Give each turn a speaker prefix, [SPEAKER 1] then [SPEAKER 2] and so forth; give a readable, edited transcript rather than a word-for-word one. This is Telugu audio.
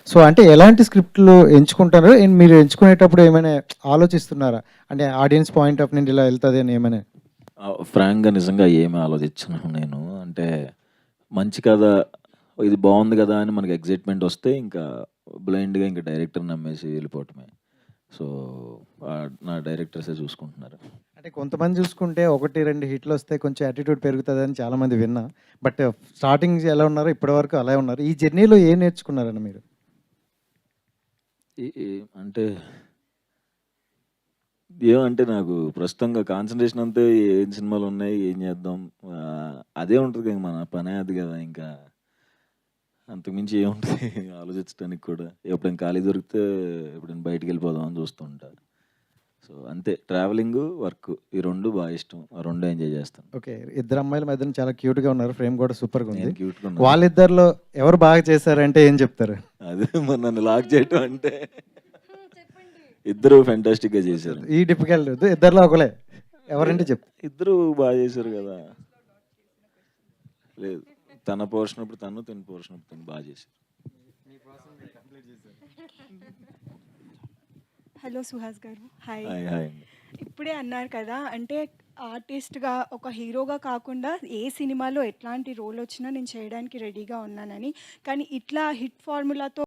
[SPEAKER 1] సో, అంటే ఎలాంటి స్క్రిప్ట్‌లు ఎంచుకుంటారు? అండ్ మీరు ఎంచుకునేటప్పుడు ఏమైనా ఆలోచిస్తున్నారా? అంటే ఆడియన్స్ పాయింట్ ఆఫ్ నుండి ఇలా ఎళ్తదని ఏమని?
[SPEAKER 2] ఫ్రాంక్‌గా నిజంగా ఏమి ఆలోచించను నేను. అంటే మంచి కథ, ఇది బావుంది గదా! అని మనకి ఎక్సైట్‌మెంట్ వస్తే ఇంకా బ్లైండ్‌గా ఇంక డైరెక్టర్‌ని నమ్మేసి వెళ్ళిపోవటమే. సో, నా డైరెక్టర్సే చూసుకుంటున్నారు.
[SPEAKER 1] అంటే కొంతమంది చూసుకుంటే 1, 2 హిట్‌లొస్తే కొంచెం యాటిట్యూడ్ పెరుగుతదని చాలామంది విన్నా. బట్ స్టార్టింగ్ ఎలా ఉన్నారో ఇప్పటి వరకు అలాగే ఉన్నారు. ఈ జర్నీలో ఏం నేర్చుకున్నారండి మీరు?
[SPEAKER 2] ఈ ఈ అంటే ఏమంటే నాకు ప్రస్తుతంగా కాన్సంట్రేషన్ అంతా ఏం సినిమాలున్నాయి, ఏం చేద్దాం, అదే ఉంటది ఇంక మన పనే అది గదా! ఇంకా అంతకు మించి ఏముంటది ఆలోచించడానికి కూడా. ఎప్పుడైనా ఖాళీ దొరికితే ఎప్పుడైనా బయటికెళ్ళిపోదాం అని చూస్తూ ఉంటా. సో, అంతే ట్రావెలింగు, వర్కు ఈ 2 బా ఇష్టం. ఆ 2 ఎంజాయ్ చేస్తాను.
[SPEAKER 1] ఓకే. ఇద్దరు అమ్మాయిల మధ్యన చాలా క్యూట్‌గా ఉన్నారు. ఫ్రేమ్ కూడా సూపర్‌గుంది.
[SPEAKER 2] నేను క్యూట్‌గా ఉన్నానా?
[SPEAKER 1] వాళ్ళిద్దరిలో ఎవరు బాగా చేశారంటే ఏం చెప్తారు?
[SPEAKER 2] అదే మరి నన్ను లాక్ చేయటం అంటే ఇద్దరు ఫెంటాస్టిక్‌గా చేశారు.
[SPEAKER 1] ఈ డిఫికల్ట్ ఇద్దరిలో ఒకలే. ఎవరంటే
[SPEAKER 2] లేదు,
[SPEAKER 1] చెప్పు.
[SPEAKER 2] ఇద్దరు బా చేశారు గదా! లేదు. తన పోర్షన్ అప్పుడు తను, తన పోర్షన్ అప్పుడు తను బా చేశారు.
[SPEAKER 3] హలో సుహాస్ గారు. హాయ్.
[SPEAKER 2] హాయ్. హాయ్ అండి.
[SPEAKER 3] ఇప్పుడే అన్నారు కదా! అంటే ఆర్టిస్ట్‌గా ఒక హీరోగా కాకుండా ఏ సినిమాలో ఎట్లాంటి రోల్ వచ్చినా నేను చేయడానికి రెడీగా ఉన్నానని. కానీ ఇట్లా హిట్ ఫార్ములాతో